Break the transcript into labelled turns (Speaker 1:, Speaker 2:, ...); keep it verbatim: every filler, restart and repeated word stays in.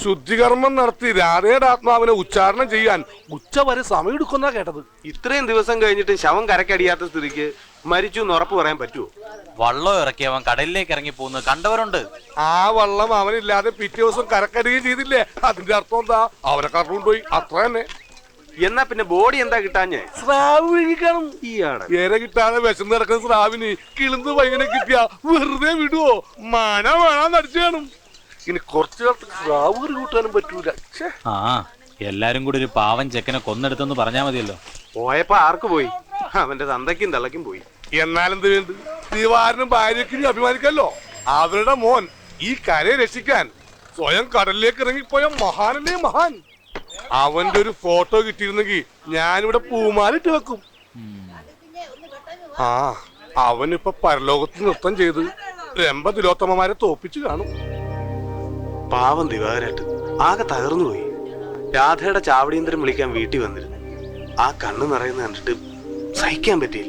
Speaker 1: ശുദ്ധികർമ്മം നടത്തി രാധയുടെ ആത്മാവിനെ ഉച്ചാരണം ചെയ്യാൻ ഉച്ച വരെ സമയം എടുക്കുന്ന കേട്ടത്.
Speaker 2: ഇത്രയും ദിവസം കഴിഞ്ഞിട്ട് ശവം കരക്കടിയാത്ത സ്ഥിതിക്ക് മരിച്ചു എന്ന് ഉറപ്പ് പറയാൻ പറ്റുമോ?
Speaker 3: വള്ളം ഇറക്കി അവൻ കടലിലേക്ക് ഇറങ്ങി പോകുന്നത് കണ്ടവരുണ്ട്.
Speaker 1: ആ വള്ളം അവനില്ലാതെ പിറ്റേ ദിവസം കരക്കടിയുകയും ചെയ്തില്ലേ? അതിന്റെ അർത്ഥം എന്താ? അവരെ കറണ്ടുകൊണ്ടുപോയി, അത്ര തന്നെ.
Speaker 2: എന്നാ പിന്നെ ബോഡി എന്താ കിട്ടാഞ്ഞേ?
Speaker 1: സ്രാവ് വിഴിക്കണം.
Speaker 2: ഈയാടെ
Speaker 1: ഏറെ കിട്ടാതെ വിശന്ന് കിടക്കുന്ന സ്രാവിന് കിളിന്ന് പയ്യനെ കിട്ടിയാ വെറുതെ വിടുവോ? മന വേണം നടിച്ചു കാണും. ഇനി കുറച്ചു കാലത്ത് സ്രാവ് കറി കൂട്ടാനും പറ്റൂല.
Speaker 3: ആ എല്ലാരും കൂടി ഒരു പാവൻ ചെക്കനെ കൊന്നെടുത്തെന്ന് പറഞ്ഞാ മതിയല്ലോ.
Speaker 2: പോയപ്പോ ആർക്ക് പോയി? അവന്റെ തന്തയ്ക്കും തള്ളയ്ക്കും പോയി.
Speaker 1: എന്നാലെന്ത് വേണ്ട, ദിവാരനും ഭാര്യയ്ക്കും അഭിമാനിക്കല്ലോ. അവരുടെ മോൻ ഈ കരയെ രക്ഷിക്കാൻ സ്വയം കടലിലേക്ക് ഇറങ്ങിപ്പോയ മഹാനല്ലേ മഹാൻ. അവന്റെ ഒരു ഫോട്ടോ കിട്ടിയിരുന്നെങ്കിൽ ഞാനിവിടെ പൂമാലിട്ട് വെക്കും. ആ അവനിപ്പൊ പരലോകത്ത് നൃത്തം ചെയ്ത് രംഭ തിലോത്തമമാരെ തോപ്പിച്ചു കാണും.
Speaker 2: പാവം ദിവാകരേട്ട് ആകെ തകർന്നു പോയി. രാധയുടെ ചാവടിയന്തരം വിളിക്കാൻ വീട്ടിൽ വന്നിരുന്നു. ആ കണ്ണ് നിറയുന്ന കണ്ടിട്ട് സഹിക്കാൻ പറ്റിയില്ല.